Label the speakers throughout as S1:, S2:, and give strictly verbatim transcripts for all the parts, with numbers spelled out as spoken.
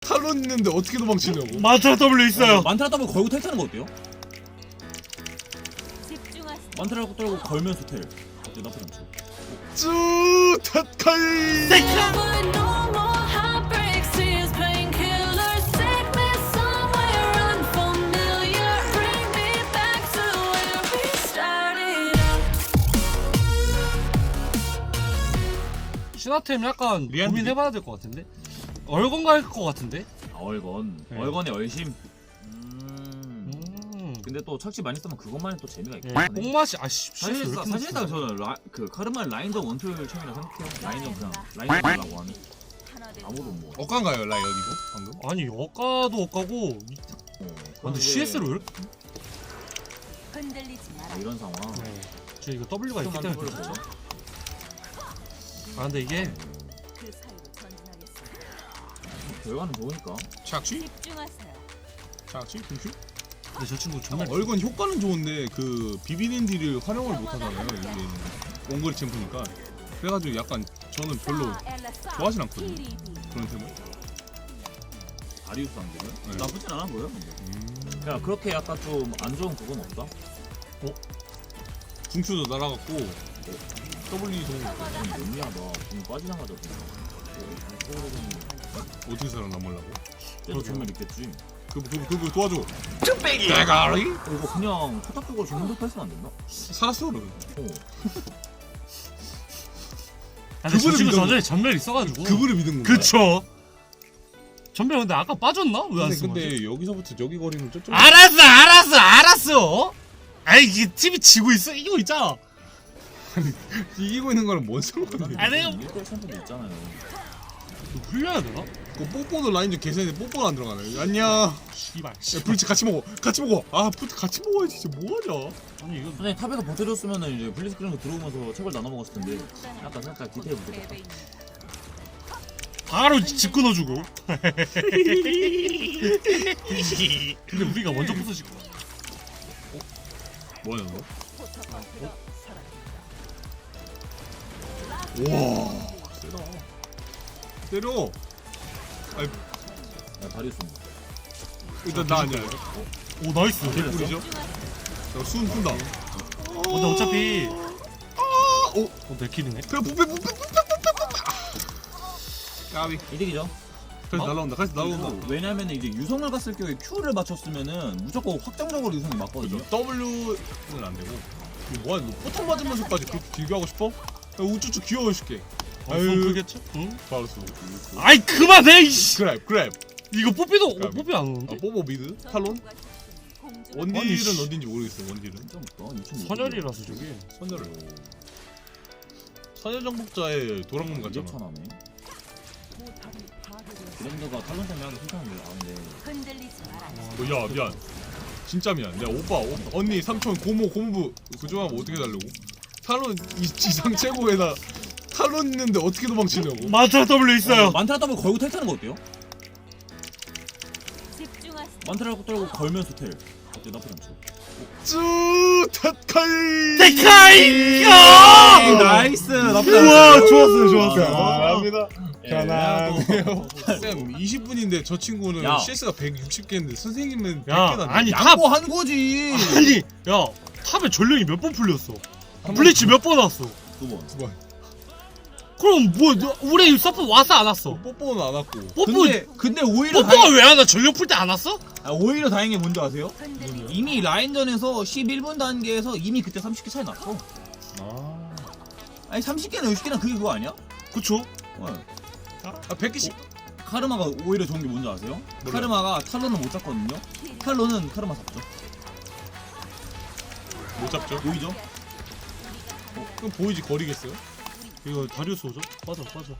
S1: 탈론 있는데 어떻게 도망치냐고.
S2: 만트라 W 있어요.
S3: 어, 만트라 더블 걸고 텔 타는 거 어때요?
S4: 집중하세요.
S3: 만트라 떨고 걸면서 텔 어때? 나쁘지 않죠?
S1: 쭈 탓카이.
S2: 신화템 약간
S1: 리안드리?
S2: 고민해봐야 될 것 같은데? 얼건 갈 것 같은데?
S3: 아, 얼건
S2: 네.
S3: 얼건의 얼심. 음.
S2: 음.
S3: 근데 또 착취 많이 쓰면 그것만의 또 재미가
S2: 예,
S3: 있긴 하네.
S2: 뽕맛이 아씨
S3: 사실상 사실상 저는 라, 그 카르마 라인전 원툴 cham이라 생각해요. 라인전 그냥 라인전 하려고 하는 아무도 못. 어,
S1: 억간가요 라이언 이거 방금?
S2: 아니 억가도 억가고 근데 씨에스로 이렇게?
S4: 흔들리지 마라.
S3: 이런 상황.
S2: 네. 저 이거 W가 있기
S3: 좀만
S2: 때문에
S3: 보죠.
S2: 아 근데 이게
S4: 그 사이로 전진하겠습니다.
S3: 결과는 좋으니까.
S1: 착취?
S4: 집중하세요.
S1: 착취? 분출?
S2: 근데 저 친구 정말
S1: 얼건 효과는 좋은데 그 비비는 딜을 활용을 못하잖아요 이게 원거리 챔프니까. 그래가지고 약간 저는 별로 좋아하진 않거든요 그런 템을.
S3: 다리우스 안되면
S1: 네.
S3: 나쁘진 않아 보여. 근데.
S1: 음.
S3: 야 그렇게 약간 좀 안 좋은 그건 없다.
S1: 궁추도 날아갔고 더블리 도
S3: 좀 몇이야 너. 좀 빠지나가자.
S1: 어떻게 살아남으려고?
S3: 쟤도 정말 있겠지.
S1: 그, 그, 그, 그 도와줘. 쭈빼기. 대가리?
S3: 어, 이거 그냥 포탑 쪽으로 정도 패스는 안 됐나?
S1: 살았어 는
S3: 어.
S2: 아, 근데 저
S1: 그분을
S2: 친구
S1: 믿어.
S2: 전에 전멸 있어가지고
S1: 그분을 믿은 건가?
S2: 그쵸 전멸 근데 아까 빠졌나? 왜 안
S1: 근데,
S2: 쓴 거지?
S1: 근데 여기서부터 저기 거리는 저쪽.
S2: 알았어 알았어 알았어 아이 이게 팀이 지고 있어 이거 있잖아
S1: 이기고 있는 거랑 뭔 상관이야?
S2: 아, 내가-
S3: 일 대 챔프도 있잖아요.
S2: 이거 흘려야 되나?
S1: 그 뽀뽀도 라인전 개새인데 뽀뽀가 안 들어가네. 안녕. 야
S2: 씨발
S1: 브리치 같이 먹어. 같이 먹어. 아 브리치 같이 먹어야지. 진짜 뭐하냐?
S2: 아니 이거
S3: 선생님 탑에서 버텨줬으면은 이제 블리스크린 들어오면서 책을 나눠 먹었을 텐데 약간 살짝 디테일 부족했다.
S2: 바로 집 끊어주고 근데 우리가 먼저 부서지고
S1: 뭐하냐 너? 와 세다. 때려. 아니
S3: 야 다리우스.
S1: 일단 나 아니야.
S2: 오 나이스
S1: 개꿀이죠? 나순 푼다.
S2: 어, 근데 어차피
S1: 아, 오,
S2: 어, 내 킬이네
S1: 배 부패 부패 부패 부패. 까비.
S3: 이득이죠.
S1: 다시
S2: 어?
S1: 날라온다. 다시 날라온다.
S3: 그리고 왜냐면 이제 유성을 갔을 경우에 Q를 맞췄으면은 무조건 확정적으로 유성이 맞거든요.
S1: W는 안 되고. 이거 뭐야? 너 포탄 맞으면서까지 그렇게 길게 하고 싶어? 야, 우쭈쭈 귀여워줄게.
S2: 아유
S1: 아유.
S2: 그겠죠? 응?
S1: 바로 쏘.
S2: 아이 그만해 이씨
S1: 그랩 그랩.
S2: 이거 뽀삐도 어,
S1: 까비.
S2: 뽀삐 안
S1: 아
S2: 오는데?
S1: 뽀뽀 미드? 탈론?
S2: 아니,
S1: 원딜은
S2: 씨.
S1: 어딘지 모르겠어. 원딜은.
S3: 진짜 없다. 이천오백.
S2: 선열이라서 저게
S1: 선열을. 선열 정복자의 도랑문
S3: 이게
S1: 같잖아.
S3: 천하네. 브랜드가 탈론 때문에 하기 괜찮은데 아는데
S4: 흔들리지 마라.
S1: 어, 야 미안. 진짜 미안. 내가 오빠, 오빠 언니 삼촌 고모 고모부 그중하면 어떻게 달려고? 탈론 이 지상 최고에다 탈론 있는데 어떻게 도망치냐고.
S2: 만트라 W 있어요
S3: 어, 만트라 더블 걸고 텔 타는 거 어때요?
S4: 집중하세요.
S3: 만트라 떨고 걸면서 텔 어때? 나쁘지 않죠?
S1: 쭈 탓카이.
S2: 데카이
S1: 아,
S3: 나이스. 나쁘지
S2: 우와 좋았어요 좋았어요
S1: 감사합니다.
S3: 편안해요.
S1: 쌤 이십 분인데 저 친구는
S3: 야.
S1: 씨에스가 백육십 개인데 선생님은 백
S2: 야,
S1: 개나.
S2: 아니, 탑-
S3: 양보한 거지.
S2: 아니 야 탑에 전령이 몇 번 풀렸어 블리치 몇 번 왔어
S3: 두 번.
S1: 두 번.
S2: 그럼 뭐 너- 우리 서포 왔어 안 왔어?
S1: 뽀뽀는 안 왔고.
S2: 뽀뽀
S3: 근데 근데 오히려
S2: 뽀뽀가
S3: 다행,
S2: 왜 안 와? 전령 풀 때 안 왔어?
S3: 아, 오히려 다행인 게 뭔지 아세요?
S4: 흔들리지
S3: 이미 라인전에서 십일 분 단계에서 이미 그때 삼십 개 차이 났어.
S1: 아.
S3: 아니 삼십 개나 육십 개나 그게 그거 아니야?
S2: 그쵸?
S3: 어.
S1: 아 백 개씩.
S3: 카르마가 오히려 좋은 게 뭔지 아세요?
S1: 몰라요.
S3: 카르마가 탈론을 못 잡거든요. 탈론은 카르마 잡죠.
S1: 못 잡죠?
S3: 보이죠?
S1: 어, 그럼 보이지 거리겠어요?
S2: 이거 다리우스 오죠? 빠져 빠져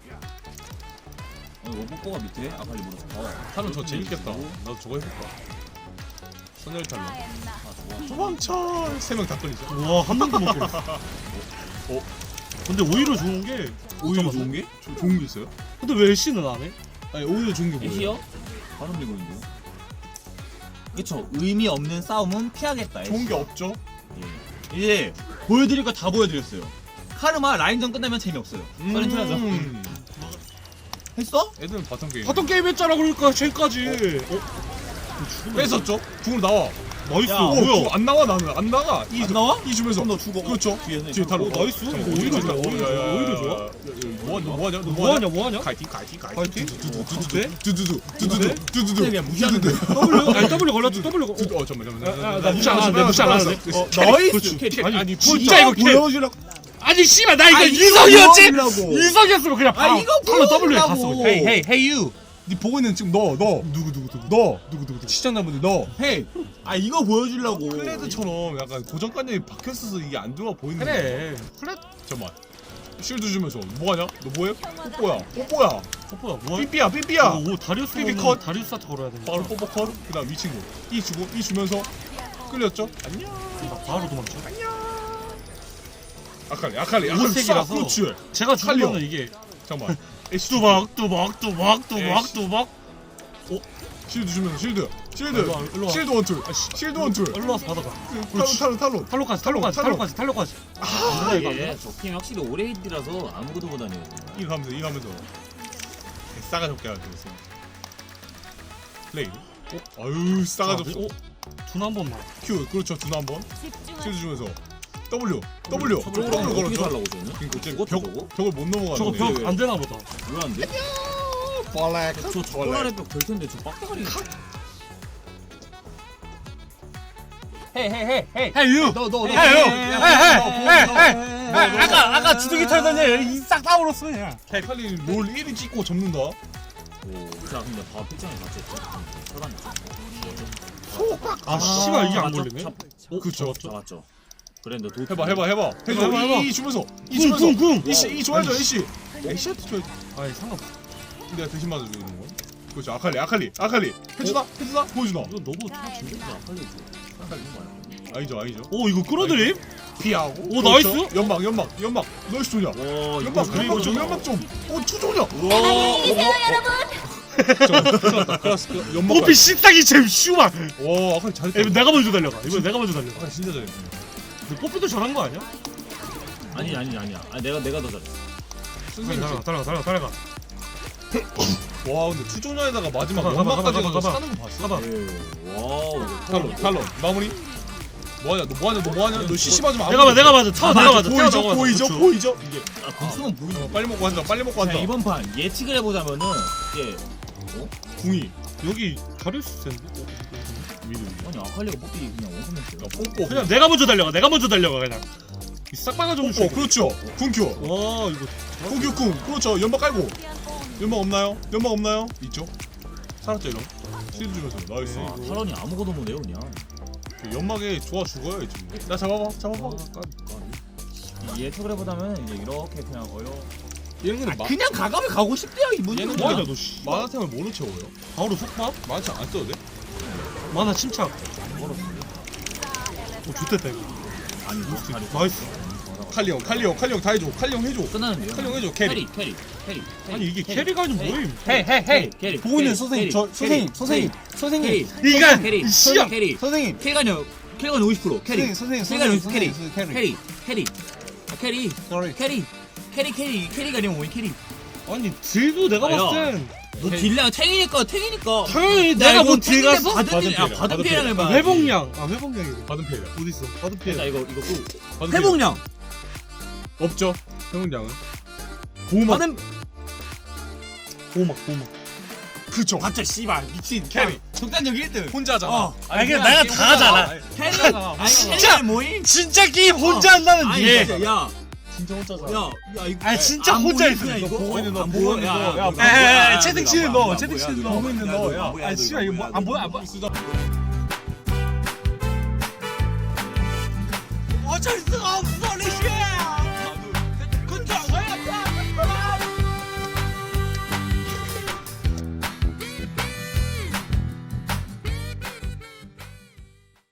S3: 어, 이거 뽀뽀가 밑에 아칼리 물어서 어,
S1: 탈론 저 재밌겠다. 나도 저거 해볼까. 선열 탈론.
S4: 마엔나.
S3: 아 좋아.
S1: 도망쳐. 세 명 다 끌리죠.
S2: 우와 한 명도 못 걸렸어
S1: 어?
S2: 근데 오히려 좋은 게
S1: 오히려 좋은 게? 조, 좋은 게 있어요?
S2: 근데 왜 애쉬는 안 해?
S1: 아니 오히려 좋은 게 뭐예요?
S3: 애쉬요? 바로 밀고인데요. 그쵸. 의미 없는 싸움은 피하겠다. 애쉬.
S1: 좋은 게 없죠?
S3: 예. 이제 보여드릴 거 다 보여드렸어요. 카르마 라인전 끝나면 재미없어요. 빨리 틀어줘.
S1: 음.
S3: 했어?
S1: 애들은 바텀 게임.
S2: 바텀 게임 했잖아 그러니까 쟤까지. 어?
S1: 뺏었죠? 궁으로 나와.
S2: 나이스.
S3: 야,
S1: 오,
S2: 뭐야?
S1: 궁 안 나와 나는 안 나가. 이
S3: 안 나와?
S1: 이 주면서.
S3: 그럼 너 죽어.
S1: 그렇죠.
S3: 뒤에서
S1: 뒤에 타로.
S2: 오, 나이스. 이거 오히려 좋아, 오히려 좋아, 오히려 좋아.
S1: 뭐하냐? 너 뭐하냐? 너
S2: 뭐하냐 뭐하냐?
S1: 가이팅 가이팅 가이팅.
S2: 파이팅?
S1: 두두두 두두두 두두두 두두두.
S3: 그냥 무시하는데.
S2: W 아니 W 걸렸지 W 걸.
S1: 두두. 어 잠깐만 잠깐만.
S2: 아, 나 무시 안 하는데 무시 안 하는데.
S1: 어,
S3: 나이스.
S2: 그렇지.
S1: 아니,
S2: 아니
S1: 진짜
S2: 진짜 이거 캐.
S3: 보여주려고.
S2: 아니 씨발 나 이거
S3: 아, 이거
S2: 이성이었지.
S3: 보여주려고.
S2: 이성이었으면 그냥
S3: 아, 이거
S2: 바로 W에
S3: 보여주려고.
S2: 갔어. 헤이 헤이 헤이 유.
S1: 네 보고 있는 지금 너 너.
S2: 누구 누구 누구.
S1: 너 누구 누구 시청자분들 너
S3: 헤이. 아 이거 보여주려고.
S1: 클레드처럼 약간 고정관념이 박혔어서 이게 안 좋아 보이는 거야.
S2: 그래. 그래.
S1: 잠깐만 쉴드 주면서 뭐하냐? 너 뭐해? 뽀뽀야 뽀뽀야
S2: 뽀뽀야 뭐야?
S1: 삐삐야 삐삐야.
S2: 오 다리우스
S1: 삐삐
S2: 컷.
S1: 컷.
S2: 다리우스한테 걸어야 돼.
S1: 바로 뽀뽀 컷. 그다음 이 친구 이 주고 이 주면서 끌렸죠? 안녕.
S2: 바로 도망쳐.
S1: 아칼리 아칼리 아칼리
S2: 오색이라서.
S1: 그렇지.
S2: 제가
S1: 칼리오.
S2: 죽으면 이게
S1: 잠깐만 애쉬
S2: 뚜박 뚜박 뚜박 뚜박
S1: 에이씨.
S2: 뚜박.
S1: 실드 주면서 실드 실드
S2: 일로 와, 일로 와.
S1: 실드 원툴 실드 원툴
S2: 일로 와서 받아가.
S1: 탈론 탈론 탈론
S2: 탈로까지 탈로까지
S1: 탈론.
S2: 탈로까지 탈로까지.
S3: 아 이게 적팀이 확실히 오래 히드라서 아무것도 못하네요.
S1: 이거 가면서 이거 가면서 싸가 적게 하고 있어. 플레이. 어? 아유 싸가 적.
S2: 어? 두나 한 번만.
S1: Q 그렇죠 두나 한번
S4: 집중하세요.
S1: 실드 주면서 W W
S3: 저걸
S1: W
S3: 어떻게
S1: 걸었죠.
S3: 살라고 저는?
S1: 그러니까 이제
S3: 죽었죠,
S1: 벽
S3: 저거?
S1: 벽을 못
S2: 저거
S1: 넘어가는데.
S2: 벽 안 되나 보다.
S3: 왜 안 돼?
S1: 벌레.
S3: 저 저거라는 벽될 텐데 저 빡대가리.
S2: 헤이 헤이 헤이 헤이.
S1: 헤이 유.
S3: 너 너 너.
S2: 헤이 유. 헤이 헤이 헤이. 아까 아까 주둥이 털더니 이싹 다물었어 그냥.
S1: 칼리 롤 일 위 찍고 접는다.
S3: 오, 자 근데 바 필장이 맞췄죠. 차단.
S2: 아 씨발 이게 안 걸리네.
S1: 그쵸.
S3: 잡았죠. 그래 너 도.
S1: 해봐 해봐 해봐. 해줘
S2: 해봐, 해봐.
S1: 이, 이 주면서 이
S2: 궁,
S1: 주면서
S2: 궁, 궁.
S1: 이씨 이 줘야죠 이씨. 이씨한테 줘야지.
S2: 아니 상관없어.
S1: 내가 대신 맞아주는 건. 그렇죠 아칼리 아칼리 아칼리 해주나 해주나 보여주나.
S2: 이거 너무 터치인데?
S3: 아칼리 아칼리 거야.
S1: 아니죠 아니죠.
S2: 오 이거 끌어들임?
S1: 피하고.
S2: 오,
S1: 그렇죠.
S2: 나이스.
S1: 연막 연막 연막 너이스 조냐.
S3: 와
S1: 연막
S3: 이거
S1: 연막 좀 연막 좀. 어 투조냐.
S4: 안녕히 계세요, 여러분.
S1: 클라스 연막.
S2: 오피 식당이 제일 쉬워.
S1: 와 아칼리 잘했다.
S2: 이거 내가 먼저 달려가. 이거 내가 먼저 달려가.
S1: 아칼리 진짜 잘했다.
S2: 근데 뽀삐도 잘한 거 아니야?
S3: 아니 아니 아니야. 아 내가 내가 더 잘했어.
S1: 선생님
S2: 달려가 달려가 달려가 달려가.
S1: 와 근데 투조냐에다가 마지막
S2: 가봐,
S1: 연막까지
S2: 가봐, 가봐,
S1: 해서
S2: 가봐.
S1: 사는 거 봤어?
S2: 가봐.
S3: 예. 와우.
S1: 탈론 탈론 마무리. 뭐하냐 너 뭐하냐 너 뭐하냐 너 씨씨 맞으면 안
S2: 내가 봐
S1: 돼.
S2: 내가 맞아. 타워 내가 맞아. 타워
S1: 보이죠
S2: 내가 맞아.
S1: 보이죠
S2: 그쵸.
S1: 보이죠 이게.
S3: 아 공수는 보이네.
S1: 어, 빨리 먹고 한다 빨리 먹고
S3: 자
S1: 한다.
S3: 이번 판 예측을 해보자면은 이게
S1: 궁이
S2: 여기 다리우스 센데?
S1: 미드
S3: 아니 아칼리가 뽀삐 그냥 원컴했어요.
S1: 야 뽀뽀
S2: 그냥 내가 먼저 달려가. 내가 먼저 달려가 그냥. 이 싹바가 좀
S1: 뽀뽀 그렇죠 궁큐
S2: 와 이거
S1: 궁큐 궁 그렇죠 연막 깔고 연막 없나요? 연막 없나요? 있죠? 살았죠 이런 실드 주면서 나이스.
S3: 아 탈론이 아무것도 못해요 그냥.
S1: 그 연막에 좋아 죽어요 지금. 나 잡아봐 잡아봐.
S3: 이 예측을 해보자면 이제 이렇게 그냥 어려.
S1: 얘는 마,
S3: 그냥 가감에 가고 싶대요 이분이.
S1: 얘는
S2: 뭐하냐
S1: 그냥
S2: 너 씨.
S1: 만화템을 뭐로 채워요?
S2: 바로 속박?
S1: 만화템 안 써도 돼?
S2: 만화 침착. 오 좋댔다 이거.
S3: 아니 다리
S2: 나이스.
S1: 칼리 형 칼리 형 칼리 형 다 해줘 칼리 형 해줘.
S3: 끝나는데요?
S1: 칼리 형 해줘 캐리.
S3: 캐리 캐리 캐리.
S2: 아니 이게 캐리가 아니면 뭐임?
S3: 헤이 헤이 헤이 캐리.
S5: 보고 있는 선생님, 저 선생님, 선생님, 선생님,
S2: 이간
S3: 캐리.
S2: 이 씨야.
S3: 캐리.
S5: 선생님,
S3: 캐리가요. 캐리가 오십 퍼센트. 캐리.
S5: 선생님, 선생님,
S3: 캐리가 오십
S5: 선생님,
S3: 캐리.
S5: 선생님,
S3: 캐리. 캐리. 아, 캐리.
S5: Sorry.
S3: 캐리. 캐리 캐리 캐리가 아니면 뭐이 캐리.
S2: 아니 딜도 내가
S3: 아, 야.
S2: 봤을 땐
S3: 너 딜량 탱이니까 탱이니까.
S2: 당연히
S3: 야,
S2: 내가
S3: 이거
S2: 뭐 딜
S3: 탱인데
S2: 갔어?
S3: 받은 딜. 야
S1: 받은
S3: 받은
S1: 딜이야.
S3: 딜량 해봐.
S2: 회복량. 아 회복량이래.
S1: 받은 피해야.
S2: 어디 있어? 받은 피해.
S3: 자 이거 이거 또
S1: 받은 피해.
S3: 회복량.
S1: 없죠. 회복량은. 보호막.
S3: 받은
S2: 보호막 보호막.
S1: 그쵸.
S3: 맞죠 씨발 미친
S1: 캐리.
S3: 적단적 일 등.
S1: 혼자잖아.
S3: 어.
S2: 아니 그냥 내가 다 하잖아.
S3: 캐리가 아니
S2: 진짜!
S3: 캐리가 뭐임?
S2: 진짜 게임 혼자 한다는
S3: 아니
S2: 게.
S3: 진짜 야.
S1: 진짜 혼자잖아.
S3: 야, 야 이거
S2: 아니 진짜
S3: 안
S2: 혼자
S3: 보이는
S2: 있어.
S3: 그냥
S2: 이거
S3: 이거
S1: 보고 있는 너,
S3: 안
S1: 보고
S3: 보여.
S1: 있는
S3: 야,
S1: 너.
S3: 야,
S1: 야,
S3: 야,
S2: 에, 에, 에,
S3: 야,
S2: 채팅치는
S3: 야,
S2: 너,
S3: 야,
S2: 채팅치는
S3: 야,
S2: 너.
S3: 야,
S1: 보고 있는
S3: 야,
S1: 너.
S3: 야,
S1: 야,
S3: 야,
S1: 아 씨발 이거 뭐안 보여 안 보여.
S3: 어쩔 수가 없어.